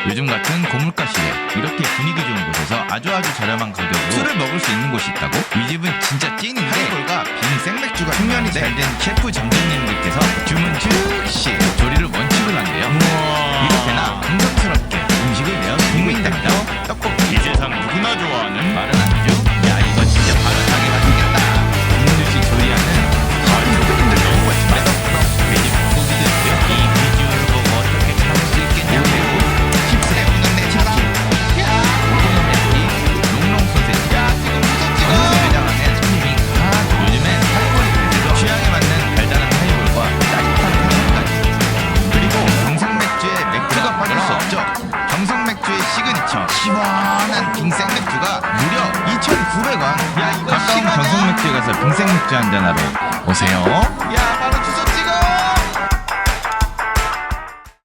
요즘 같은 고물가 시대 이렇게 분위기 좋은 곳에서 아주 저렴한 가격으로 술을 먹을 수 있는 곳이 있다고? 이 집은 진짜 찐인데 하이볼과 빈 생맥주가 숙련이 잘 된 셰프 점장님들께서 주문 즉시 조리를 원칙으로 한대요. 이렇게나 감성스럽게 음식을 내어 국민답니다. 떡볶이 이 세상 누구나 좋아하는 말은 아니죠. 야 이거 진짜 바삭하게 맛있겠다. 국물식 조리하는 조금들 너무 맛있다. 돼지 고기도 있고요. 이 비주얼을 보고 어떻게 참을 수 있겠냐고. 칩스에 묻는 내 차다. 오코노미야키, 롱롱 소세지. 야 지금 무섭지? 매장하는 손님이 요즘엔 하이볼이 대세죠. 취향에 맞는 달달한 하이볼과 따뜻한 해물까지. 그리고 경상 맥주에 맥주가 빠질 수 없죠. 경상 맥주의 시그니처 시원한 빙생 맥주가 무려 2,900원. 야 이거 가까운 경상 맥주에 가서 빙생 맥주 한잔 하러 오세요. 야